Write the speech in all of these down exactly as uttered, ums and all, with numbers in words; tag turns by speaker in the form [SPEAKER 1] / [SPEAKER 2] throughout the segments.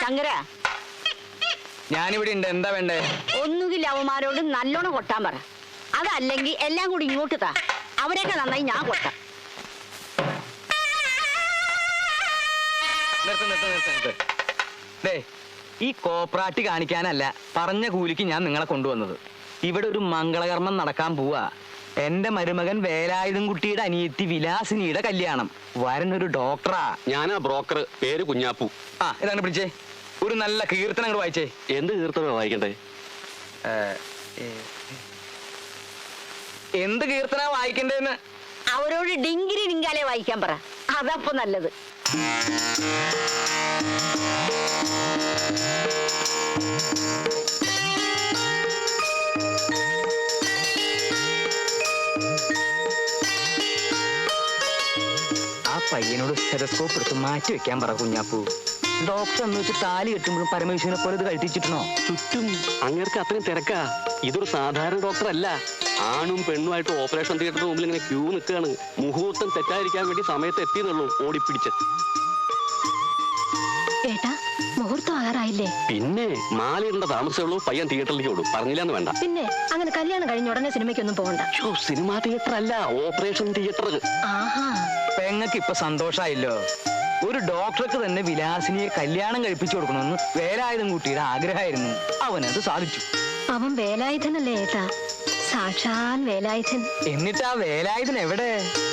[SPEAKER 1] ശങ്കര,
[SPEAKER 2] ഞാനിവിടെ ഉണ്ട്. എന്താ വേണ്ടേ?
[SPEAKER 1] ഒന്നുകിൽ അവന്മാരോട് നല്ലോണം കൊട്ടാൻ പറ, അതല്ലെങ്കിൽ എല്ലാം കൂടി ഇങ്ങോട്ട് താ. അവരെയൊക്കെ നന്നായി ഞാൻ കൊട്ടാം.
[SPEAKER 2] നിർത്ത് നിർത്ത് നിർത്ത് നിർത്ത്. ദേ, ഈ കോപ്രാട്ടി കാണിക്കാനല്ല പറഞ്ഞ കൂലിക്ക് ഞാൻ നിങ്ങളെ കൊണ്ടുവന്നത്. ഇവിടെ ഒരു മംഗളകർമ്മം നടക്കാൻ പോവാ. എന്റെ മരുമകൻ വേലായുധം കുട്ടിയുടെ അനിയത്തി വിലാസിനിയുടെ കല്യാണം. വരനൊരു ഡോക്ടറാ.
[SPEAKER 3] ഞാനാ ബ്രോക്കർ, പേര് കുഞ്ഞാപ്പു.
[SPEAKER 2] ആ, ഇതാണ് പിടിച്ചേ. ഒരു നല്ല കീർത്തനം അങ്ങോട്ട് വായിച്ചേ.
[SPEAKER 3] എന്ത് കീർത്തനം വായിക്കണ്ടേ?
[SPEAKER 2] എന്ത് കീർത്തന വായിക്കണ്ടേന്ന്
[SPEAKER 1] അവരോട് ഡിങ്കിരി ഡിങ്കാലെ വായിക്കാൻ പറ, അതപ്പോ നല്ലത്.
[SPEAKER 2] ആ പയ്യനോട് സ്റ്റെതസ്കോപ്പ് എടുത്ത് മാറ്റി വെക്കാൻ പറ കുഞ്ഞാപ്പു. ഡോക്ടർ എന്ന് വെച്ച് താലി കെട്ടുമ്പോഴും പരമേശ്വരനെ പോലെ ഇത് കഴിച്ചിട്ടുണ്ടോ?
[SPEAKER 3] ചുറ്റും അങ്ങേർക്ക് അത്രയും തിരക്കാ. ഇതൊരു സാധാരണ ഡോക്ടർ അല്ല. ആണും പെണ്ണുമായിട്ട് ഓപ്പറേഷൻ തിയേറ്ററിന് മുമ്പിൽ ഇങ്ങനെ ക്യൂ നിൽക്കുകയാണ്. മുഹൂർത്തം തെറ്റായിരിക്കാൻ വേണ്ടി സമയത്ത് എത്തിയെന്നുള്ളൂ ഓടിപ്പിടിച്ച്.
[SPEAKER 4] ഏട്ടാ, മുഹൂർത്തം ആകാറായില്ലേ?
[SPEAKER 3] പിന്നെ മാലയിടേണ്ട താമസമുള്ളൂ. പയ്യൻ തിയേറ്ററിലേക്ക് ഓടും. പറഞ്ഞില്ലാന്ന് വേണ്ട.
[SPEAKER 4] പിന്നെ അങ്ങനെ കല്യാണം കഴിഞ്ഞ ഉടനെ സിനിമയ്ക്കൊന്നും പോകണ്ട.
[SPEAKER 3] സിനിമാ തിയേറ്റർ അല്ല, ഓപ്പറേഷൻ തിയേറ്റർ.
[SPEAKER 4] ആഹാ,
[SPEAKER 2] പെങ്ങക്ക് ഇപ്പൊ സന്തോഷായില്ലോ. ഒരു ഡോക്ടർക്ക് തന്നെ വിലാസിനിയെ കല്യാണം കഴിപ്പിച്ചു കൊടുക്കണമെന്ന് വേലായുധം കുട്ടിയുടെ ആഗ്രഹമായിരുന്നു. അവനത് സാധിച്ചു.
[SPEAKER 4] അവൻ വേലായുധനല്ലേ ഏട്ടാ? സാക്ഷാൽ വേലായുധൻ.
[SPEAKER 2] എന്നിട്ട് ആ വേലായുധൻ എവിടെ?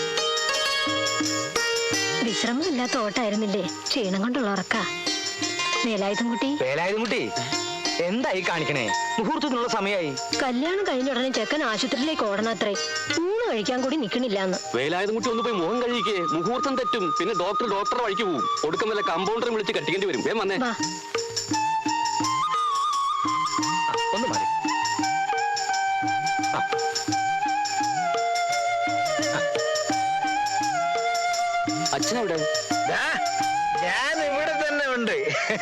[SPEAKER 4] വിശ്രമമില്ലാത്ത ഓട്ടായിരുന്നില്ലേ? ക്ഷീണം കൊണ്ടുള്ള ഉറക്ക. വേലായുധം കുട്ടി
[SPEAKER 2] വേലായുധം കുട്ടി എന്തായി കാണിക്കണേ? മുഹൂർത്തത്തിനുള്ള സമയമായി.
[SPEAKER 4] കല്യാണം കഴിഞ്ഞ ഉടനെ ചെക്കൻ ആശുപത്രിയിലേക്ക് ഓടണത്രേ. ഊണ് കഴിക്കാൻ കൂടി നിക്കണില്ലാന്ന്.
[SPEAKER 3] വേലായുധം കുട്ടി ഒന്ന് പോയി മുഖം കഴിക്കേ. മുഹൂർത്തം തെറ്റും. പിന്നെ ഡോക്ടർ ഡോക്ടറെ വഴിക്ക് പോവും. ഒടുക്കം വല്ല കമ്പൗണ്ടറെ വിളിച്ച് കട്ടിക്കേണ്ടി വരും. വേം വന്നേ.
[SPEAKER 2] ഒന്ന് മാറി.
[SPEAKER 3] അച്ഛനെവിടെ?
[SPEAKER 2] ഞാൻ ഇവിടെ തന്നെ ഉണ്ട്.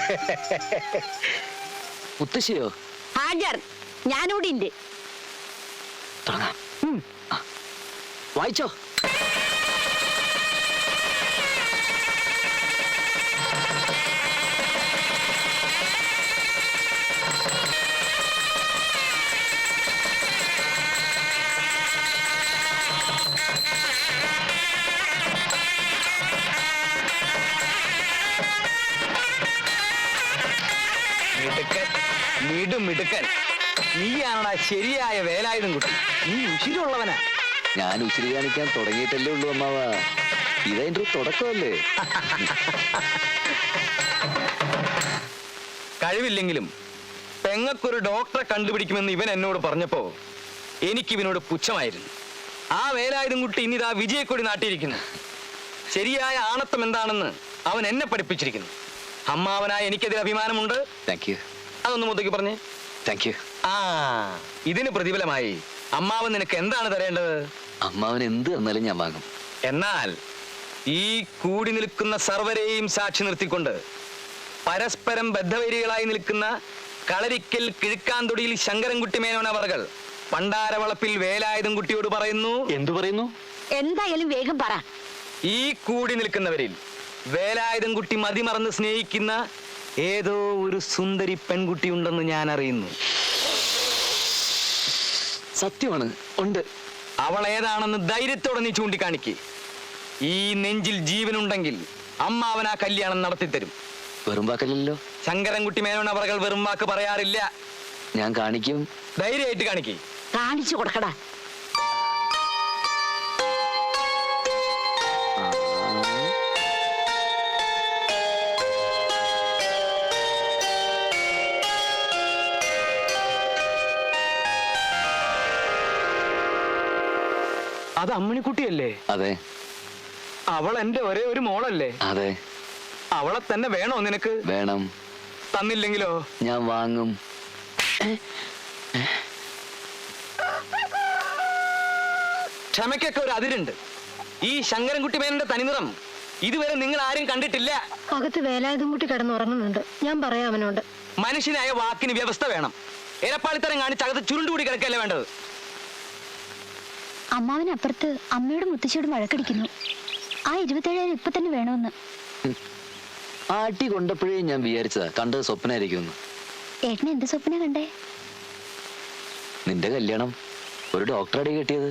[SPEAKER 3] മുത്തശ്ശിയോ?
[SPEAKER 1] ഹാജർ, ഞാനിവിടെ ഉണ്ട്.
[SPEAKER 3] വായിച്ചോ.
[SPEAKER 2] മിടുക്കൻ, മിടു മിടുക്കൻ. നീയാണടാ ശരിയായ വേലായുധം കുട്ടി. നീ ഉശിരുള്ളവനാ.
[SPEAKER 5] ഞാൻ ഉശിരി കാണിക്കാൻ തുടങ്ങിയിട്ടല്ലേ ഉള്ളൂ അമ്മാവ. ഇതെന്റെ ഒരു തുടക്കമല്ലേ.
[SPEAKER 2] കഴിവില്ലെങ്കിലും പെങ്ങക്കൊരു ഡോക്ടറെ കണ്ടുപിടിക്കുമെന്ന് ഇവൻ എന്നോട് പറഞ്ഞപ്പോ എനിക്കിവനോട് പുച്ഛമായിരുന്നു. ആ വേലായുധം കുട്ടി ഇനിതാ വിജയക്കൊടി നാട്ടിയിരിക്കുന്നു. ശരിയായ ആണത്വം എന്താണെന്ന് അവൻ എന്നെ പഠിപ്പിച്ചിരിക്കുന്നു. അമ്മാവനായ എനിക്കതിൽ അഭിമാനമുണ്ട്.
[SPEAKER 5] Thank you.
[SPEAKER 2] അതൊന്ന് മുതക്കി പറഞ്ഞേ.
[SPEAKER 5] Thank you.
[SPEAKER 2] ആ, ഇതിന് പ്രതിഫലമായി അമ്മാവൻ നിനക്ക് എന്താണ് തരേണ്ടത്?
[SPEAKER 5] അമ്മാവൻ എന്ത് തന്നാലും ഞാൻ വാങ്ങും.
[SPEAKER 2] എന്നാൽ ഈ കൂടി നിൽക്കുന്ന സർവരെയും സാക്ഷി നിർത്തിക്കൊണ്ട് പരസ്പരം ബദ്ധവൈരികളായി നിൽക്കുന്ന കളരിക്കൽ കിഴുക്കാന്തൊടിയിൽ ശങ്കരൻകുട്ടി മേനോൻ അവർകൾ പണ്ടാരവളപ്പിൽ വേലായുധം കുട്ടിയോട് പറയുന്നു.
[SPEAKER 3] എന്തു പറയുന്നു?
[SPEAKER 1] എന്തായാലും വേഗം പറ.
[SPEAKER 2] ഈ കൂടി നിൽക്കുന്നവരിൽ വേലായുധം കുട്ടി മതിമറന്ന് സ്നേഹിക്കുന്ന ഏതോ ഒരു സുന്ദരി പെൺകുട്ടി ഉണ്ടെന്ന് ഞാൻ അറിയുന്നു.
[SPEAKER 3] സത്യമാണ്, ഉണ്ട്.
[SPEAKER 2] അവൾ ഏതാണെന്ന് ധൈര്യത്തോടെ നീ ചൂണ്ടിക്കാണിക്ക്. ഈ നെഞ്ചിൽ ജീവനുണ്ടെങ്കിൽ അമ്മാവൻ ആ കല്യാണം നടത്തിത്തരും.
[SPEAKER 5] വെറും വാക്കല്ലല്ലോ.
[SPEAKER 2] ശങ്കരൻകുട്ടി മേനോൻ അവർകൾ വെറും വാക്ക് പറയാറില്ല.
[SPEAKER 5] ഞാൻ കാണിക്കും.
[SPEAKER 2] ധൈര്യമായിട്ട് കാണിക്ക്.
[SPEAKER 1] കാണിച്ചു കൊടുക്കടാ.
[SPEAKER 2] അത് അമ്മിണിക്കുട്ടിയല്ലേ?
[SPEAKER 5] അതെ.
[SPEAKER 2] അവൾ എന്റെ ഒരേ ഒരു മോളല്ലേ?
[SPEAKER 5] അതെ.
[SPEAKER 2] അവളെ തന്നെ വേണോ നിനക്ക്?
[SPEAKER 5] വേണം.
[SPEAKER 2] തന്നില്ലെങ്കിലോ?
[SPEAKER 5] ഞാൻ വാങ്ങും.
[SPEAKER 2] ക്ഷമയ്ക്കൊക്കെ ഒരു അതിരുണ്ട്. ഈ ശങ്കരൻകുട്ടി മേനന്റെ തനിനിറം ഇതുവരെ നിങ്ങൾ ആരും കണ്ടിട്ടില്ല.
[SPEAKER 4] അകത്ത് വേലായുധം കുട്ടി കിടന്നുറങ്ങുന്നുണ്ട്. ഞാൻ പറയാം അവനോട്.
[SPEAKER 2] മനുഷ്യനായ വാക്കിന് വ്യവസ്ഥ വേണം. ഇരപ്പാളിത്തരം കാണിച്ച് അകത്ത് ചുരുണ്ടുകൂടി കിടക്കല്ലേ വേണ്ടത്.
[SPEAKER 4] അമ്മാവനപ്പുറത്ത് അമ്മയോടും മുത്തശ്ശിയോടും വഴക്കടിക്കുന്നു. ആ ഇരുപത്തേഴായിരം ഇപ്പൊ തന്നെ വേണമെന്ന്.
[SPEAKER 5] ആട്ടി കൊണ്ടപ്പോഴേ ഞാൻ വിചാരിച്ചതാ കണ്ടത് സ്വപ്നമായിരിക്കും.
[SPEAKER 6] ഏട്ടന് എന്ത് സ്വപ്ന കണ്ടേ?
[SPEAKER 5] നിന്റെ കല്യാണം ഒരു ഡോക്ടറടി കെട്ടിയത്.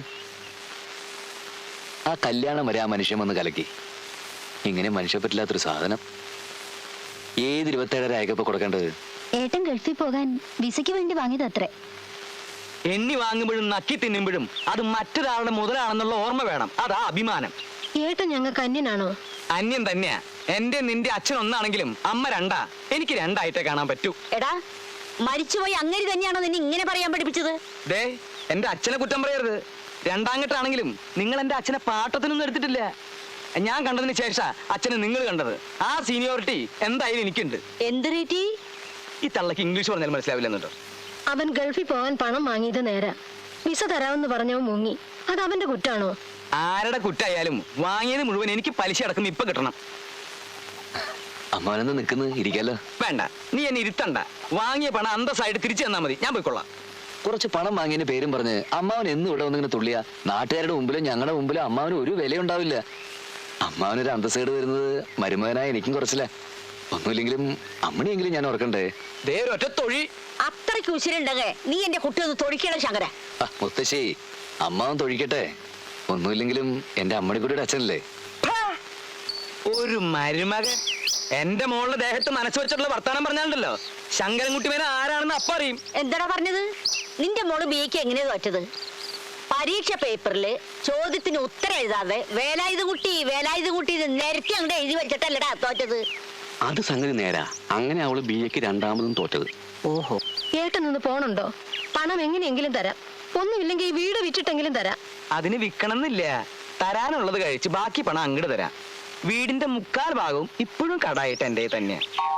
[SPEAKER 5] ആ കല്യാണം വരെ ആ മനുഷ്യൻ വന്ന് കലക്കി. ഇങ്ങനെ മനുഷ്യ പറ്റില്ലാത്തൊരു സാധനം. ഏത് ഇരുപത്തേഴര അയക്കപ്പോ കൊടുക്കേണ്ടത്?
[SPEAKER 6] ഏട്ടൻ ഗൾഫിൽ പോകാൻ വിസയ്ക്ക് വേണ്ടി വാങ്ങിയത് അത്രേ.
[SPEAKER 2] എണ്ണി വാങ്ങുമ്പോഴും നക്കി തിന്നുമ്പോഴും അത് മറ്റൊരാളുടെ മുതലാണെന്നുള്ള ഓർമ്മ വേണം. അതാ അഭിമാനം.
[SPEAKER 4] ഏട്ടൻ ഞങ്ങൾക്ക് അന്യനാണോ?
[SPEAKER 2] അന്യം തന്നെയാ. എന്റെ നിന്റെ അച്ഛൻ ഒന്നാണെങ്കിലും അമ്മ രണ്ടാ. എനിക്ക് രണ്ടായിട്ടേ കാണാൻ പറ്റൂ.
[SPEAKER 1] എടാ, മരിച്ചുപോയി അങ്ങനെ തന്നെയാണോ നിന്നെ ഇങ്ങനെ പറയാൻ പഠിപ്പിച്ചത്?
[SPEAKER 2] ദേ, എന്റെ അച്ഛനെ കുറ്റം പറയരുത്. രണ്ടാങ്കട്ടാണെങ്കിലും നിങ്ങൾ എന്റെ അച്ഛനെ പാട്ടത്തിനൊന്നും എടുത്തിട്ടില്ല. ഞാൻ കണ്ടതിന് ശേഷം അച്ഛനെ നിങ്ങൾ കണ്ടത്. ആ സീനിയോറിറ്റി എന്തായാലും എനിക്കുണ്ട്.
[SPEAKER 1] എന്ത് റേറ്റി?
[SPEAKER 2] ഈ തള്ളക്ക് ഇംഗ്ലീഷ് പറഞ്ഞാൽ മനസ്സിലാവില്ലെന്നുണ്ടോ?
[SPEAKER 4] അവൻ ഗൾഫിൽ പോകാൻ പണം വാങ്ങിയത് നേരാ. വിസ തരാമെന്ന് പറഞ്ഞവൻ മുങ്ങി. അത് അവന്റെ കുറ്റാണോ?
[SPEAKER 2] ആരുടെ കുറ്റായാലും വാങ്ങിയത് മുഴുവൻ എനിക്ക് പലിശ അടക്കം ഇപ്പൊ കിട്ടണം.
[SPEAKER 5] അമ്മാവനെന്ന് നിൽക്കുന്നത് ഇരിക്കാലോ?
[SPEAKER 2] വേണ്ട, നീ എന്നെ ഇരുത്തണ്ട. വാങ്ങിയ പണം അന്തസ്സായിട്ട് തിരിച്ചു തന്നാ മതി. ഞാൻ പോയിക്കൊള്ളാം.
[SPEAKER 5] കുറച്ച് പണം വാങ്ങിയതിന് പേരും പറഞ്ഞ് അമ്മാവൻ എന്നും ഇവിടെ വന്നിങ്ങനെ തുള്ളിയ നാട്ടുകാരുടെ മുമ്പിലും ഞങ്ങളുടെ മുമ്പിലും അമ്മാവന് ഒരു വിലയുണ്ടാവില്ല. അമ്മാവനൊരു അന്തസ്സേട് വരുന്നത് മരുമകനായ എനിക്കും കുറച്ചില്ല. ഒന്നുമില്ലെങ്കിലും അമ്മണിയെങ്കിലും ഞാൻ ഓർക്കണ്ടേ?
[SPEAKER 2] ദേ ഒറ്റ തൊഴി.
[SPEAKER 1] അത്രയ്ക്ക് ഉശിരുണ്ടെങ്കിൽ നീ എന്റെ കുട്ടി ഒന്ന് തൊടിക്കണം ശങ്കര.
[SPEAKER 5] ആ, മുത്തശ്ശി, അമ്മാവൻ തൊഴിക്കട്ടെ. ഒന്നുമില്ലെങ്കിലും എന്റെ അമ്മണിക്കുട്ടിയുടെ അച്ഛനല്ലേ?
[SPEAKER 2] ഒരു മരുമകൻ എന്റെ മോളുടെ ദേഹത്ത് മനസ്സ് വെച്ചിട്ടുള്ള വർത്താനം പറഞ്ഞാലുണ്ടല്ലോ, ശങ്കരൻകുട്ടി മേനെ ആരാണെന്ന് അപ്പ അറിയും.
[SPEAKER 1] എന്താടാ പറഞ്ഞത്? നിന്റെ മോള് ബിക്ക് എങ്ങനെയാ തോറ്റത്? പരീക്ഷ പേപ്പറിൽ ചോദ്യത്തിന് ഉത്തരം എഴുതാതെ വേലായുധ കുട്ടി വേലായുധ കുട്ടി നിരത്തി അങ്ങോട്ട് എഴുതി വെച്ചിട്ടല്ലടാ തോറ്റത്.
[SPEAKER 3] അത് സംഗതി നേരാ. അങ്ങനെ അവള് ബി എക്ക് രണ്ടാമതും തോറ്റത്.
[SPEAKER 4] ഓഹോ. ഏട്ടൻ നിന്ന് പോണുണ്ടോ? പണം എങ്ങനെയെങ്കിലും തരാം. ഒന്നുമില്ലെങ്കിൽ ഈ വീട് വിറ്റിട്ടെങ്കിലും തരാം.
[SPEAKER 2] അതിന് വിൽക്കണമെന്നില്ല. തരാനുള്ളത് കഴിച്ച് ബാക്കി പണം അങ്ങോട്ട് തരാം. വീടിന്റെ മുക്കാൽ ഭാഗവും ഇപ്പോഴും കടായിട്ട് എന്റെ തന്നെ.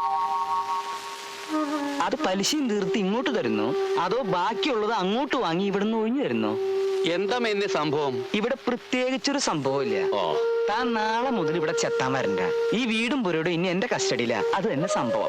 [SPEAKER 2] അത് പലിശയും തീർത്ത് ഇങ്ങോട്ട് തരുന്നു, അതോ ബാക്കിയുള്ളത് അങ്ങോട്ട് വാങ്ങി ഇവിടുന്ന് ഒഴിഞ്ഞു തരുന്നു?
[SPEAKER 3] എന്താ എന്നെ സംഭവം?
[SPEAKER 2] ഇവിടെ പ്രത്യേകിച്ചൊരു സംഭവമില്ല.
[SPEAKER 3] ഓ,
[SPEAKER 2] താൻ നാളെ മുതൽ ഇവിടെ ചെത്താൻ വരണ്ട. ഈ വീടും പുരയോടും ഇനി എന്റെ കസ്റ്റഡിയില. അത് തന്നെ സംഭവം.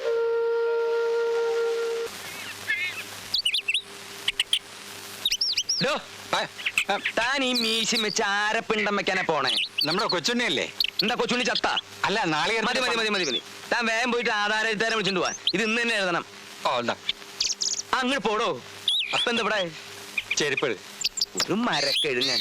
[SPEAKER 2] ഡോ, താൻ ഈ മീശി വെച്ച് ആരപ്പിണ്ടം വെക്കാനാ പോണേ?
[SPEAKER 7] നമ്മുടെ കൊച്ചുണ്ണിയല്ലേ?
[SPEAKER 2] എന്താ കൊച്ചുണ്ണി ചത്ത?
[SPEAKER 7] അല്ല, നാളെ
[SPEAKER 2] മതി മതി മതി മതി മതി. താൻ വേഗം പോയിട്ട് ആധാരം എഴുതാരം വിളിച്ചോണ്ട് പോവാ. ഇത് ഇന്ന് തന്നെ എഴുതണം.
[SPEAKER 7] ഓ, എന്താ
[SPEAKER 2] അങ്ങോട്ട് പോടോ. അപ്പൊ എന്താ ഇവിടെ
[SPEAKER 7] ചെരുപ്പ്?
[SPEAKER 2] ഒരു മരക്കെഴുങ്ങൻ.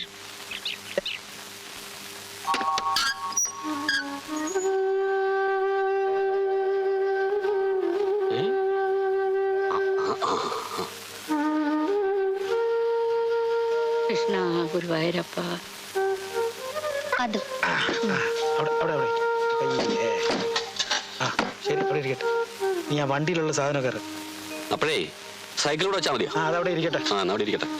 [SPEAKER 1] കൃഷ്ണ ഗുരുവായൂരപ്പ.
[SPEAKER 6] അത്
[SPEAKER 7] അവിടെ അവിടെ അവിടെ അയ്യേ. ആ ശരി, അവിടെ ഇരിക്കട്ടെ. നീ ആ വണ്ടിയിലുള്ള സാധനം കയറി.
[SPEAKER 3] അപ്പോഴേ സൈക്കിളോട് വെച്ചാൽ മതിയോ?
[SPEAKER 7] ആ, അതവിടെ ഇരിക്കട്ടെ.
[SPEAKER 3] ആ, എന്നാ അവിടെ ഇരിക്കട്ടെ.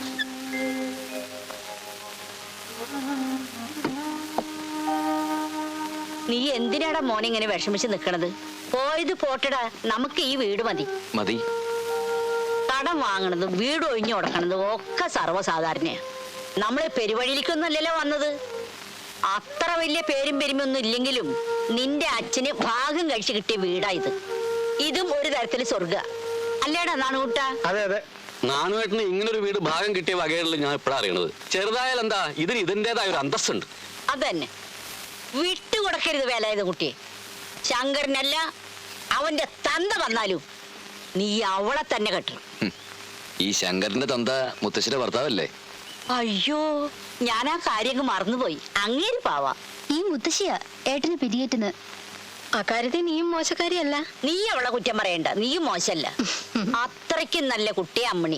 [SPEAKER 1] നീ എന്തിനാടാ മോനെ ഇങ്ങനെ വിഷമിച്ച് നിക്കണത്? പോയത് പോട്ടടാ. നമുക്ക് ഈ വീട് മതി.
[SPEAKER 5] മതി.
[SPEAKER 1] കടം വാങ്ങണതും വീട് ഒഴിഞ്ഞു കൊടുക്കണതും ഒക്കെ സർവ്വസാധാരണയാ. നമ്മളെ പെരുവഴിയിലേക്കൊന്നും അല്ലല്ലോ വന്നത്. അത്ര വലിയ പേരും പെരുമൊന്നും ഇല്ലെങ്കിലും നിന്റെ അച്ഛന് ഭാഗം കഴിച്ച് കിട്ടിയ വീടാ ഇത്. ഇതും ഒരു തരത്തില് സ്വർഗ അല്ലേടാ നാണുകൂട്ടാ?
[SPEAKER 7] അതെ അതെ.
[SPEAKER 3] നാനുവേട്ടന് ഇങ്ങനൊരു വീട് ഭാഗം കിട്ടിയ വകയുള്ള ഞാൻ ഇപ്പോഴാണ് അറിയണത്. ചെറുതായാൽ എന്താ, ഇതിന് ഇതിൻ്റെതായ ഒരു അന്തസ്സുണ്ട്.
[SPEAKER 1] അതന്നെ, വിട്ടുകൊടുക്കരുത് വേലായുധ കുട്ടിയെ. ശങ്കരനല്ല അവന്റെ തന്ത വന്നാലും നീ അവളെ തന്നെ കെട്ടണം.
[SPEAKER 5] ഈ ശങ്കരന്റെ തന്ത മുത്തശ്ശിയുടെ ഭർത്താവല്ലേ?
[SPEAKER 1] അയ്യോ, ഞാൻ ആ കാര്യങ്ങൾ മറന്നുപോയി. അങ്ങേര് പാവാ.
[SPEAKER 6] ഈ മുത്തശ്ശിയാ ഏട്ടന് പിരിയേറ്റുന്നത്.
[SPEAKER 4] അക്കാര്യത്തിൽ നീയും മോശക്കാരിയല്ല.
[SPEAKER 1] നീ അവളെ കുറ്റം പറയണ്ട. നീയും മോശല്ല. അത്രയ്ക്കും നല്ല കുട്ടിയെ അമ്മണി.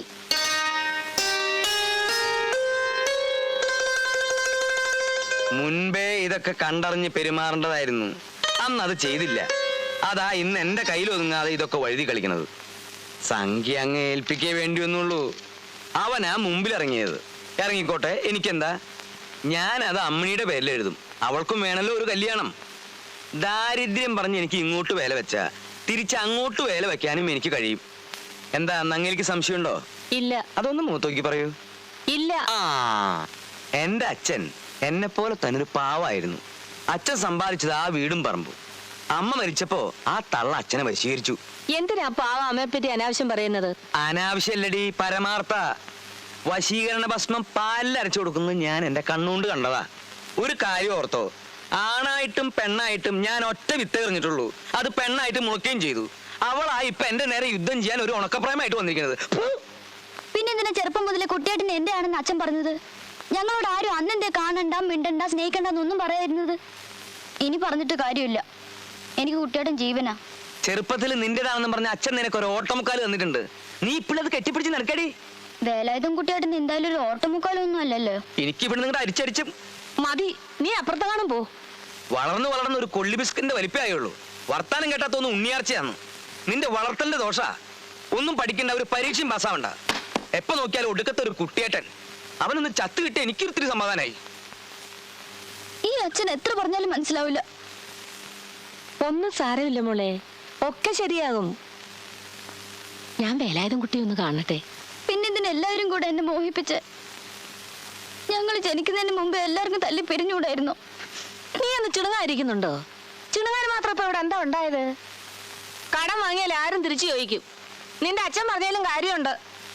[SPEAKER 2] മുൻപേ ഇതൊക്കെ കണ്ടറിഞ്ഞ് പെരുമാറേണ്ടതായിരുന്നു. അന്ന് അത് ചെയ്തില്ല. അതാ ഇന്ന് എന്റെ കയ്യിൽ ഒതുങ്ങാതെ ഇതൊക്കെ വഴുതി കളിക്കുന്നത്. സംഖ്യ അങ്ങ് ഏൽപ്പിക്കേ വേണ്ടി വന്നുള്ളൂ. അവനാ മുമ്പിൽ ഇറങ്ങിയത്. ഇറങ്ങിക്കോട്ടെ, എനിക്കെന്താ. ഞാനത് അമ്മണിയുടെ പേരിൽ എഴുതും. അവൾക്കും വേണമല്ലോ ഒരു കല്യാണം. ദാരിദ്ര്യം പറഞ്ഞ് എനിക്ക് ഇങ്ങോട്ട് വേല വെച്ച തിരിച്ച് അങ്ങോട്ട് വേല വെക്കാനും എനിക്ക് കഴിയും. എന്താ അങ്ങേക്ക് സംശയമുണ്ടോ?
[SPEAKER 1] ഇല്ല.
[SPEAKER 2] അതൊന്ന് മൂത്തോക്കി പറയൂ.
[SPEAKER 1] ഇല്ല.
[SPEAKER 2] ആ, എന്റെ അച്ഛൻ എന്നെ പോലെ തന്നെ ഒരു പാവായിരുന്നു. അച്ഛൻ സമ്പാദിച്ചത് ആ വീടും പറമ്പും. അമ്മ മരിച്ചപ്പോ ആ തള്ള അച്ഛനെ വശീകരിച്ചു.
[SPEAKER 4] എന്തിനാ പാവ അമ്മയെ പറ്റി അനാവശ്യം പറയുന്നത്?
[SPEAKER 2] അനാവശ്യല്ലടി, പരമാർത്ഥ. വശീകരണ ഭസ്മം പാലിൽ അരച്ചു കൊടുക്കുന്നത് ഞാൻ എന്റെ കണ്ണുകൊണ്ട് കണ്ടതാ. ഒരു കാര്യം ഓർത്തോ, ആണായിട്ടും പെണ്ണായിട്ടും ഞാൻ ഒറ്റ വിത്ത് എറിഞ്ഞിട്ടുള്ളൂ. അത് പെണ്ണായിട്ട് മുളയ്ക്കുകയും ചെയ്തു. അവളാ ഇപ്പൊ എന്റെ നേരെ യുദ്ധം ചെയ്യാൻ ഒരു ഉണക്കപ്രായമായിട്ട് വന്നിരിക്കുന്നത്.
[SPEAKER 6] പിന്നെ എന്തിനാ ചെറുപ്പം മുതലേ കുട്ടിയേട്ടൻ എന്റെ ആണെന്ന് അച്ഛൻ പറഞ്ഞത്? ഞങ്ങളോട് ആരും അന്നെന്തേ കാണണ്ട, മിണ്ടണ്ട, സ്നേഹിക്കണ്ടെന്നൊന്നും പറയാതിരുന്നത്? ഇനി പറഞ്ഞിട്ട് കാര്യമില്ല. എനിക്ക് കുട്ടിയേട്ടൻ ജീവനാ.
[SPEAKER 2] ചെറുപ്പത്തിൽ നിന്റേതാണെന്ന് പറഞ്ഞ അച്ഛൻ നിനക്ക് ഒരു ഓട്ടമുക്കാൽ തന്നിട്ടുണ്ട്. നീ ഇപ്പോഴത് കെട്ടിപ്പിടിച്ച് നടക്കടി.
[SPEAKER 6] വേലായുധം കുട്ടിയേട്ടൻ എന്തായാലും ഒരു ഓട്ടമുക്കാലൊന്നും അല്ലല്ലോ.
[SPEAKER 2] എനിക്ക് ഇവിടെ നിങ്ങളുടെ അരിച്ചടിച്ചും
[SPEAKER 4] മതി, നീ അപ്പുറത്തെ കാണും പോ.
[SPEAKER 2] വളർന്നു വളർന്ന ഒരു കൊള്ളി ബിസ്കിന്റെ വലിപ്പമായുള്ളൂ. വർത്താനം കേട്ടാത്തൊന്നും ഉണ്ണിയാർച്ചയാണ്. നിന്റെ വളർത്തലിന്റെ ദോഷ. ഒന്നും പഠിക്കണ്ട, ഒരു പരീക്ഷയും പാസ്സാവണ്ട. എപ്പോ നോക്കിയാലും ഒടുക്കത്തെ ഒരു കുട്ടിയേട്ടൻ. അവനൊന്ന് ചത്തു കിട്ടിയ എനിക്കൊരിത്തിരി സമാധാനായി.
[SPEAKER 6] ഈ അച്ഛൻ എത്ര പറഞ്ഞാലും മനസ്സിലാവില്ല.
[SPEAKER 4] ഒന്നും സാരമില്ല മോളെ, ഒക്കെ ശരിയാകും. ഞാൻ വേലായുധം കുട്ടി ഒന്ന് കാണട്ടെ.
[SPEAKER 6] പിന്നെന്തിന് എല്ലാവരും കൂടെ എന്നെ മോഹിപ്പിച്ച്? ഞങ്ങൾ ജനിക്കുന്നതിന് മുമ്പ് എല്ലാവർക്കും തല്ലി പിരിഞ്ഞൂടായിരുന്നു.
[SPEAKER 4] നീ ഒന്ന് ചിണുങ്ങായിരിക്കുന്നുണ്ടോ? ചിണുങ്ങാൻ മാത്രം ഇപ്പൊ ഇവിടെ എന്താ ഉണ്ടായത്? കടം വാങ്ങിയാൽ ആരും തിരിച്ചു ചോദിക്കും. നിന്റെ അച്ഛൻ പറഞ്ഞാലും കാര്യമുണ്ട്.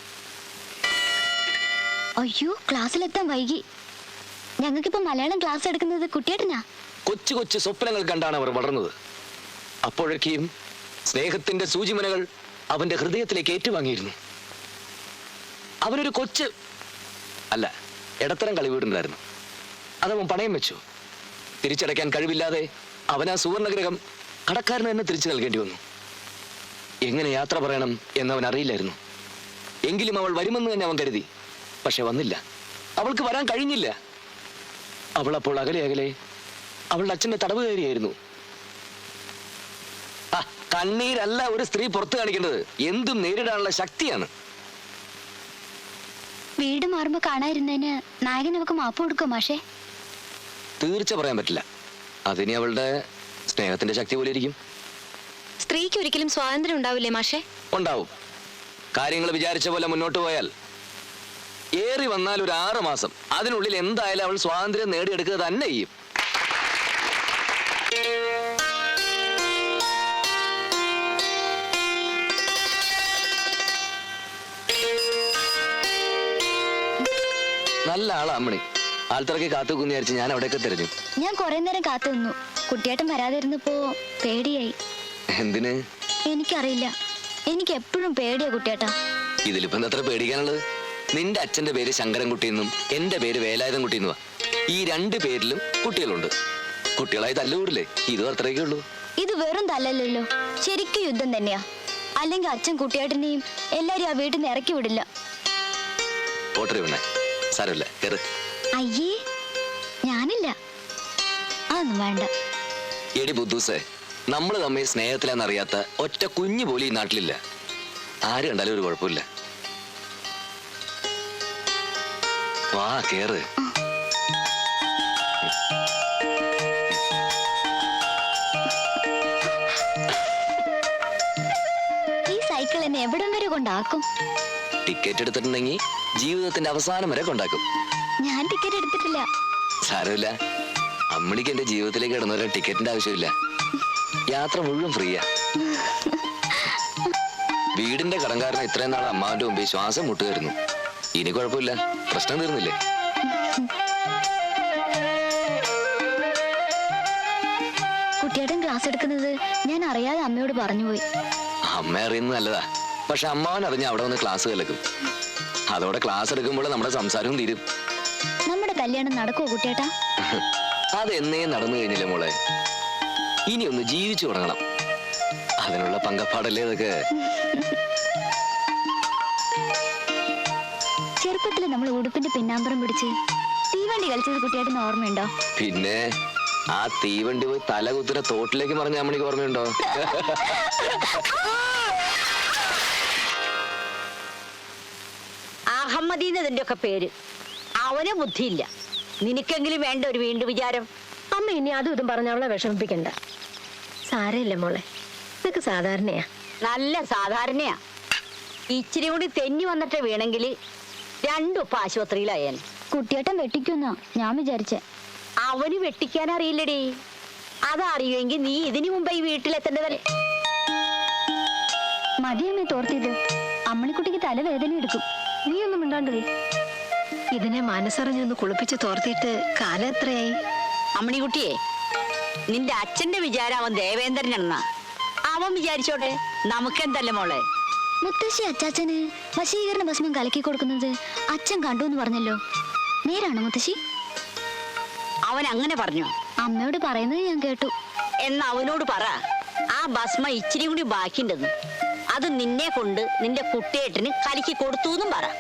[SPEAKER 6] അയ്യോ, ക്ലാസ്സിലെത്താൻ വൈകി. ഞങ്ങൾക്കിപ്പോ മലയാളം ക്ലാസ് എടുക്കുന്നത് കുട്ടിയേട്ടനാ.
[SPEAKER 5] കൊച്ചു കൊച്ചു സ്വപ്നങ്ങൾ കണ്ടാണ് അവർ വളർന്നത്. അപ്പോഴൊക്കെയും സ്നേഹത്തിന്റെ സൂചിമനകൾ അവന്റെ ഹൃദയത്തിലേക്ക് ഏറ്റുവാങ്ങിയിരുന്നു. അവനൊരു കൊച്ച് അല്ല, ഇടത്തരം കളി വീടുണ്ടായിരുന്നു. അതവൻ പണയം വെച്ചു. തിരിച്ചടയ്ക്കാൻ കഴിവില്ലാതെ അവൻ ആ സുവർണഗ്രഹം കടക്കാരന് തന്നെ തിരിച്ചു നൽകേണ്ടി വന്നു. എങ്ങനെ യാത്ര പറയണം എന്നവൻ അറിയില്ലായിരുന്നു. എങ്കിലും അവൾ വരുമെന്ന് തന്നെ അവൻ കരുതി. പക്ഷെ വന്നില്ല. അവൾക്ക് വരാൻ കഴിഞ്ഞില്ല. അവൾ അപ്പോൾ അകലെ അകലെ അവളുടെ അച്ഛന്റെ തടവുകാരിയായിരുന്നു. ആ കണ്ണീരല്ല ഒരു സ്ത്രീ പുറത്തു കാണിക്കേണ്ടത്, എന്തും നേരിടാനുള്ള ശക്തിയാണ്.
[SPEAKER 6] വീട് മാറുമ്പോ കാണാതിരുന്നതിന് നായകൻ നമുക്ക് മാപ്പ് കൊടുക്കും മാഷേ?
[SPEAKER 5] തീർച്ച പറയാൻ പറ്റില്ല. അതിനി അവളുടെ സ്നേഹത്തിന്റെ ശക്തി പോലെ ഇരിക്കും.
[SPEAKER 4] സ്ത്രീക്ക് ഒരിക്കലും സ്വാതന്ത്ര്യം ഉണ്ടാവില്ലേ മാഷേ?
[SPEAKER 5] ഉണ്ടാവും. കാര്യങ്ങൾ വിചാരിച്ച പോലെ മുന്നോട്ട് പോയാൽ ഏറി വന്നാൽ ഒരു ആറ് മാസം അതിനുള്ളിൽ എന്തായാലും അവൾ സ്വാതന്ത്ര്യം നേടിയെടുക്കുക തന്നെ ചെയ്യും. നല്ല ആളാ അമ്മണി. ആൾത്തിറക്കി കാത്തുനിന്ന് വിചാരിച്ച് ഞാൻ അവിടെയൊക്കെ തിരഞ്ഞു.
[SPEAKER 6] ഞാൻ കുറെ നേരം കാത്തു നിന്നു. കുട്ടിയേട്ടൻ വരാതിരുന്നപ്പോ പേടിയായി.
[SPEAKER 5] എന്തിന്?
[SPEAKER 6] എനിക്കറിയില്ല, എനിക്ക് എപ്പോഴും പേടിയാ കുട്ടിയേട്ടാ.
[SPEAKER 5] ഇതിലിപ്പോ എന്തത്ര പേടിക്കാനുള്ളത്? നിന്റെ അച്ഛന്റെ പേര് ശങ്കരൻകുട്ടിയെന്നും എന്റെ പേര് വേലായുധൻകുട്ടിയെന്നുവാ. ഈ രണ്ട് പേരിലും കുട്ടികളുണ്ട്. കുട്ടികളായി തല്ലുകൂടില്ലേ? ഇതും അത്രയൊക്കെ ഉള്ളൂ.
[SPEAKER 6] ഇത് വെറും തല്ലല്ലോ, ശരിക്കും യുദ്ധം തന്നെയാ. അല്ലെങ്കിൽ അച്ഛൻ കുട്ടിയേട്ടനെയും എല്ലാരും ആ വീട്ടിൽ നിന്ന് ഇറക്കി വിടില്ല.
[SPEAKER 5] ഓട്ടറി വേണേ, സാരമില്ല, കേറ്.
[SPEAKER 6] അയ്യേ, ഞാനില്ല, അതൊന്നും വേണ്ട.
[SPEAKER 5] എടി ബുദ്ധൂസേ, നമ്മൾ തമ്മിൽ സ്നേഹത്തിലാന്നറിയാത്ത ഒറ്റ കുഞ്ഞു പോലും ഈ നാട്ടിലില്ല. ആര് കണ്ടാലും ഒരു കുഴപ്പമില്ല. വാ കേറ്.
[SPEAKER 6] ഈ സൈക്കിൾ എന്നെ എവിടം വരെ കൊണ്ടാക്കും?
[SPEAKER 5] ടിക്കറ്റ് എടുത്തിട്ടുണ്ടെങ്കിൽ ജീവിതത്തിന്റെ അവസാനം വരെ കൊണ്ടാക്കും.
[SPEAKER 6] ഞാൻ ടിക്കറ്റ് എടുത്തിട്ടില്ല.
[SPEAKER 5] സാരമില്ല, അമ്മണിക്ക് എന്റെ ജീവിതത്തിലേക്ക് ഇടുന്നവരെ ടിക്കറ്റിന്റെ ആവശ്യമില്ല. യാത്ര മുഴുവൻ ഫ്രീയാ. വീടിന്റെ കടങ്കാരനെ ഇത്രയും നാൾ അമ്മാവന്റെ മുമ്പിൽ ശ്വാസം മുട്ടുകയായിരുന്നു. ഇനി കുഴപ്പമില്ല, പ്രശ്നം തീർന്നില്ലേ?
[SPEAKER 6] കുട്ടിയേട്ടൻ ക്ലാസ് എടുക്കുന്നത് ഞാൻ അറിയാതെ അമ്മയോട് പറഞ്ഞുപോയി.
[SPEAKER 5] അമ്മ അറിയുന്നത് നല്ലതാ, പക്ഷെ അമ്മാവൻ അറിഞ്ഞ അവിടെ വന്ന് ക്ലാസ് കേൾക്കും. അതോടെ ക്ലാസ് എടുക്കുമ്പോൾ നമ്മുടെ സംസാരവും തീരും.
[SPEAKER 6] നമ്മുടെ കല്യാണം നടക്കുവോ കുട്ടിയേട്ടാ?
[SPEAKER 5] അതെന്നേ നടന്നു കഴിഞ്ഞില്ലേ മോളെ? ഇനി ഒന്ന് ജീവിച്ചു തുടങ്ങണം. അതിനുള്ള പങ്കപ്പാടല്ലേ ഇതൊക്കെ.
[SPEAKER 6] ചെറുപ്പത്തില് നമ്മൾ ഉടുപ്പിന്റെ പിന്നാമ്പറം പിടിച്ച് തീവണ്ടി കളിച്ചത് കുട്ടിയേട്ടന് ഓർമ്മയുണ്ടോ?
[SPEAKER 5] പിന്നെ ആ തീവണ്ടി പോയി തല കുത്തിന തോട്ടിലേക്ക് മറിഞ്ഞ അമ്മണിക്ക് ഓർമ്മയുണ്ടോ?
[SPEAKER 1] അഹമ്മദീന്നതിന്റെ ഒക്കെ പേര്. അവന് ബുദ്ധിയില്ല. നിനക്കെങ്കിലും വേണ്ട ഒരു വീണ്ടും വിചാരം.
[SPEAKER 4] അമ്മ ഇനി അതും ഇതും പറഞ്ഞ അവളെ വിഷമിപ്പിക്കണ്ട. സാരമില്ല മോളെ, ഇതൊക്കെ സാധാരണയാ.
[SPEAKER 1] നല്ല സാധാരണയാ. ഇച്ചിരി കൂടി തെന്നി വന്നിട്ട് വീണെങ്കിൽ രണ്ടും ആശുപത്രിയിലായാൽ.
[SPEAKER 6] കുട്ടിയേട്ടൻ വെട്ടിക്കുന്നാ ഞാൻ വിചാരിച്ചേ.
[SPEAKER 1] അവന് വെട്ടിക്കാൻ അറിയില്ലടി. അതറിയുമെങ്കിൽ നീ ഇതിനു മുമ്പ് ഈ വീട്ടിലെത്തേണ്ടതല്ലേ.
[SPEAKER 6] മതിയമ്മേ തോർത്തിയത്. അമ്മണിക്കുട്ടിക്ക് തലവേദന എടുക്കും.
[SPEAKER 4] നീ ഒന്നും മിണ്ടാണ്ടേ. ഇതിനെ മനസ്സറിഞ്ഞൊന്ന് കുളിപ്പിച്ച് തോർത്തിയിട്ട് കാലം എത്രയായി?
[SPEAKER 1] അമ്മണിക്കുട്ടിയെ, നിന്റെ അച്ഛന്റെ വിചാരം അവൻ ദേവേന്ദ്രനാണെന്നാ. അവൻ വിചാരിച്ചോട്ടെ, നമുക്കെന്തല്ലേ മോളെ.
[SPEAKER 6] മുത്തശ്ശി അച്ചാച്ചന് വശീകരണ ഭസ്മം കലക്കി കൊടുക്കുന്നത് അച്ഛൻ കണ്ടു എന്ന് പറഞ്ഞല്ലോ, നേരാണോ മുത്തശ്ശി?
[SPEAKER 1] അവൻ അങ്ങനെ പറഞ്ഞു.
[SPEAKER 6] അമ്മയോട് പറയുന്നത് ഞാൻ കേട്ടു.
[SPEAKER 1] എന്നാ അവനോട് പറ, ആ ഭസ്മ ഇച്ചിരി കൂടി ബാക്കിണ്ടെന്ന്. അത് നിന്നെ കൊണ്ട് നിന്റെ കുട്ടിയേട്ടന് കലക്കി കൊടുത്തു എന്നും പറ.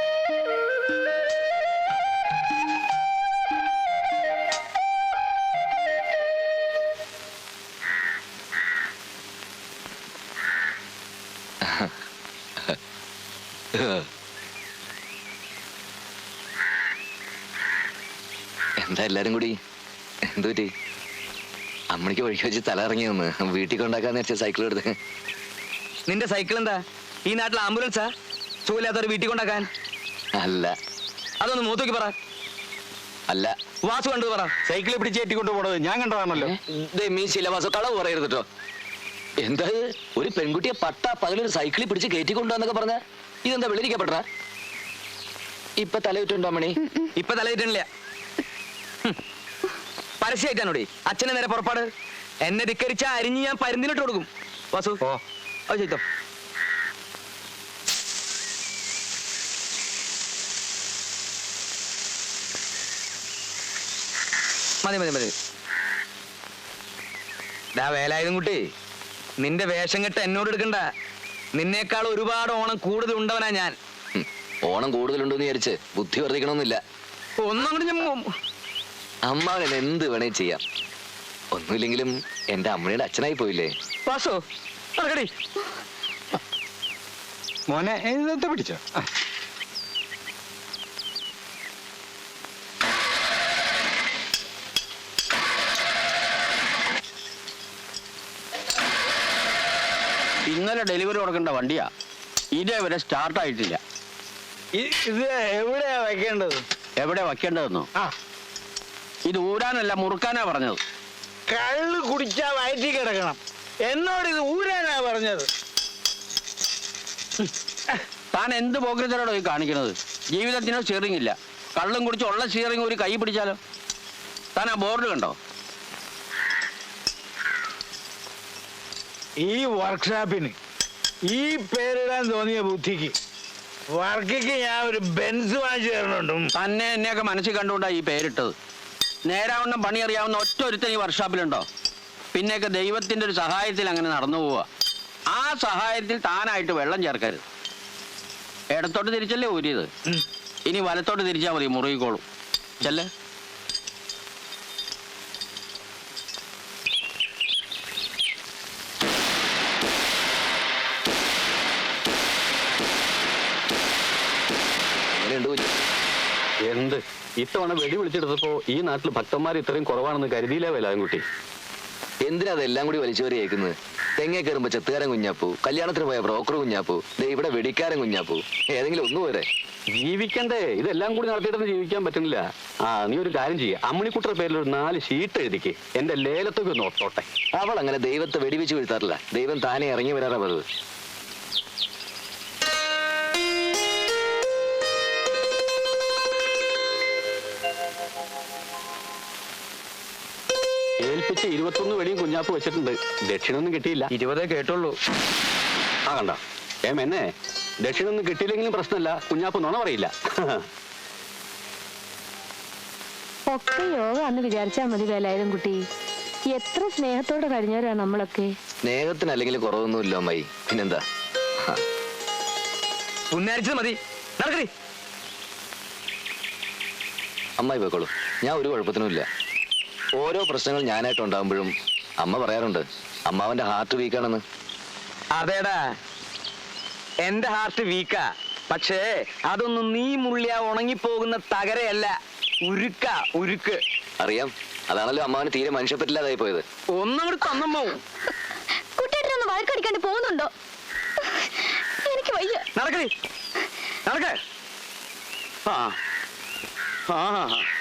[SPEAKER 5] എന്താ എല്ലാരും കൂടി എന്തു പറ്റി? അമ്മണിക്ക് ഒഴുക്കി വെച്ച് തല ഇറങ്ങി വന്ന് വീട്ടിൽ കൊണ്ടാക്കാന്ന് വെച്ച സൈക്കിൾ എടുത്ത്.
[SPEAKER 2] നിന്റെ സൈക്കിൾ എന്താ ഈ നാട്ടിൽ ആംബുലൻസാ? സുഖമില്ലാത്തവർ വീട്ടിൽ കൊണ്ടാക്കാൻ?
[SPEAKER 5] അല്ല
[SPEAKER 2] അതൊന്ന് മൂത്തോക്കി പറ.
[SPEAKER 5] അല്ല
[SPEAKER 2] വാസു കണ്ടു പറ.
[SPEAKER 7] സൈക്കിളിൽ പിടിച്ച് കയറ്റിക്കൊണ്ട് പോണത് ഞാൻ കണ്ടതാണല്ലോ.
[SPEAKER 5] മീ ശിലവാസ കളവ് പറയരുത് കേട്ടോ. എന്താ ഇത്? ഒരു പെൺകുട്ടിയെ പട്ട പകലൊരു സൈക്കിളിൽ പിടിച്ച് കയറ്റിക്കൊണ്ടുവന്നൊക്കെ പറഞ്ഞ ഇതെന്താ വെളിരിക്കപ്പെട്ട? ഇപ്പൊ തലയിട്ടുണ്ടോ അമ്മണി?
[SPEAKER 2] ഇപ്പൊ തലയിട്ടില്ല. പരസ്യമായിട്ടാണോടി അച്ഛനെ നേരെ പുറപ്പാട്. എന്നെ ധിക്കരിച്ച അരിഞ്ഞ് ഞാൻ പരുന്തിനിട്ട് കൊടുക്കും. വാസു
[SPEAKER 7] ഓ
[SPEAKER 2] അത് ചെയ്തോ. മതി മതി മതി. ഡാ വേലായുധം കുട്ടി, നിന്റെ വേഷം കെട്ട് എന്നോട് എടുക്കണ്ട. നിന്നേക്കാൾ ഒരുപാട് ഓണം കൂടുതൽ ഉണ്ടവനാ ഞാൻ.
[SPEAKER 5] ഉം. ഓണം കൂടുതലുണ്ടെന്ന് വിചാരിച്ച് ബുദ്ധി വർദ്ധിക്കണമെന്നില്ല.
[SPEAKER 2] ഒന്നും കൂടി ഞാൻ
[SPEAKER 5] അമ്മാവൻ എന്ത് വേണേ ചെയ്യാം. ഒന്നുമില്ലെങ്കിലും എന്റെ അമ്മയുടെ അച്ഛനായി പോയില്ലേ.
[SPEAKER 2] വാസു നടക്കടി.
[SPEAKER 7] മോനെ ഇതൊക്കെ പിടിച്ചോ. ആ.
[SPEAKER 8] ഇന്നലെ ഡെലിവറി കൊടുക്കേണ്ട വണ്ടിയാ, ഇതേവരെ സ്റ്റാർട്ട് ആയിട്ടില്ല.
[SPEAKER 7] ഇ- ഇത് എവിടെയാ വെക്കേണ്ടത്?
[SPEAKER 8] എവിടെ വയ്ക്കേണ്ടതെന്നോ?
[SPEAKER 7] ആ
[SPEAKER 8] ഇത് ഊരാനല്ല മുറുക്കാനാ പറഞ്ഞത്.
[SPEAKER 7] കള്ള് കുടിച്ചാ വയറ്റി കിടക്കണം. എന്നോട് ഇത് ഊരാനാ പറഞ്ഞത്.
[SPEAKER 8] താൻ എന്ത് പോക്കറ്റിനോടോ ഈ കാണിക്കുന്നത്? ജീവിതത്തിനോ സ്റ്റിയറിംഗ് ഇല്ല. കള്ളും കുടിച്ച് ഉള്ള സ്റ്റിയറിംഗ് ഒരു കൈ പിടിച്ചാലോ? താൻ ആ ബോർഡ് കണ്ടോ?
[SPEAKER 7] ഈ വർക്ക്ഷോപ്പിന് ഈ പേരിടാൻ തോന്നിയ ബുദ്ധിക്ക് വർക്കിക്ക് ഞാൻ ഒരു ബെൻസ് വാങ്ങിച്ചു തരണുണ്ട്.
[SPEAKER 8] തന്നെ എന്നെയൊക്കെ മനസ്സിൽ കണ്ടുകൊണ്ടാ ഈ പേരിട്ടത്. നേരാവണ്ണം പണി അറിയാവുന്ന ഒറ്റ ഒരുത്തൻ ഈ വർക്ക്ഷോപ്പിലുണ്ടോ? പിന്നെയൊക്കെ ദൈവത്തിന്റെ ഒരു സഹായത്തിൽ അങ്ങനെ നടന്നു പോവുക. ആ സഹായത്തിൽ താനായിട്ട് വെള്ളം ചേർക്കരുത്. ഇടത്തോട്ട് തിരിച്ചല്ലേ ഊരിയത്, ഇനി വലത്തോട്ട് തിരിച്ചാൽ മതി, മുറുകിക്കോളും. ചെല്ലേ.
[SPEAKER 5] അങ്ങനെയുണ്ട് കുഞ്ഞ്.
[SPEAKER 3] എന്ത് ഇത്തവണ വെടി വിളിച്ചെടുത്തപ്പോ ഈ നാട്ടിൽ ഭക്തന്മാർ ഇത്രയും കുറവാണെന്ന് കരുതിയില്ലേ വേലാൻകുട്ടി?
[SPEAKER 5] എന്തിനാ അതെല്ലാം കൂടി വലിച്ചുവരി കേൾക്കുന്നത്? തെങ്ങേ കയറുമ്പോ ചെത്തുകാരൻ കുഞ്ഞാപ്പൂ, കല്യാണത്തിന് പോയ ബ്രോക്കർ കുഞ്ഞാപ്പൂ, ദേ ഇവിടെ വെടിക്കാരൻ കുഞ്ഞാപ്പൂ. ഏതെങ്കിലും ഒന്നു പോരെ?
[SPEAKER 3] ജീവിക്കണ്ടേ? ഇതെല്ലാം കൂടി നടത്തിയിട്ടൊന്നും ജീവിക്കാൻ പറ്റുന്നില്ല. ആ നീ ഒരു കാര്യം ചെയ്യ, അമ്മിണിക്കുട്ടയുടെ പേരിൽ ഒരു നാല് ഷീറ്റ് എഴുതിക്ക്, എന്റെ ലേലത്തൊക്കെ ഒന്ന് ഒത്തോട്ടെ.
[SPEAKER 5] അവൾ അങ്ങനെ ദൈവത്തെ വെടിവെച്ച് വീഴ്ത്താറില്ല. ദൈവം താനെ ഇറങ്ങി വരാറാ പതിവ്.
[SPEAKER 3] ഏൽപ്പിച്ച് ഇരുപത്തൊന്ന് വെടിയും കുഞ്ഞാപ്പ് വെച്ചിട്ടുണ്ട്. ദക്ഷിണൊന്നും കിട്ടിയില്ല.
[SPEAKER 2] ഇരുപതേ കേട്ടുള്ളൂ.
[SPEAKER 3] ആ കണ്ട ഏം എന്നെ ദക്ഷിണൊന്നും കിട്ടിയില്ലെങ്കിലും പ്രശ്നമില്ല, കുഞ്ഞാപ്പ് നുണ പറയില്ല.
[SPEAKER 4] ഒക്കെ യോഗ എന്ന് വിചാരിച്ചാ മതി വേലായുധം കുട്ടി. എത്ര സ്നേഹത്തോടെ കഴിഞ്ഞവരാ നമ്മളൊക്കെ.
[SPEAKER 5] സ്നേഹത്തിന് അല്ലെങ്കിൽ കുറവൊന്നുമില്ല അമ്മായി. പിന്നെന്താ?
[SPEAKER 2] പുന്നാരിച്ചത് മതി. നടക്കടി.
[SPEAKER 5] അമ്മായി പോയിക്കോളൂ, ഞാൻ ഒരു കുഴപ്പത്തിനുമില്ല. ഓരോ പ്രശ്നങ്ങൾ ഞാനായിട്ട് ഉണ്ടാകുമ്പോഴും അമ്മ പറയാറുണ്ട് അമ്മാവന്റെ ഹാർട്ട് വീക്കാണെന്ന്.
[SPEAKER 2] അതേടാ, എന്റെ ഹാർട്ട് വീക്കാ. പക്ഷേ അതൊന്നും നീ മുള്ളിയ ഉണങ്ങിപ്പോകുന്ന തകരയല്ല, ഉരുക്ക ഉരുക്ക്.
[SPEAKER 5] അറിയാം, അതാണല്ലോ അമ്മാവന് തീരെ മനുഷ്യപ്പറ്റില്ലാതായി പോയത്.
[SPEAKER 2] ഒന്നങ്ങോട്ട് തന്നമ്മോ.
[SPEAKER 6] കുട്ടിയേട്ടനൊന്ന് വഴക്കടിക്കാണ്ട് പോകുന്നുണ്ടോ? എനിക്ക് വയ്യ.
[SPEAKER 2] നടക്കടി, നടക്ക. ആ ആ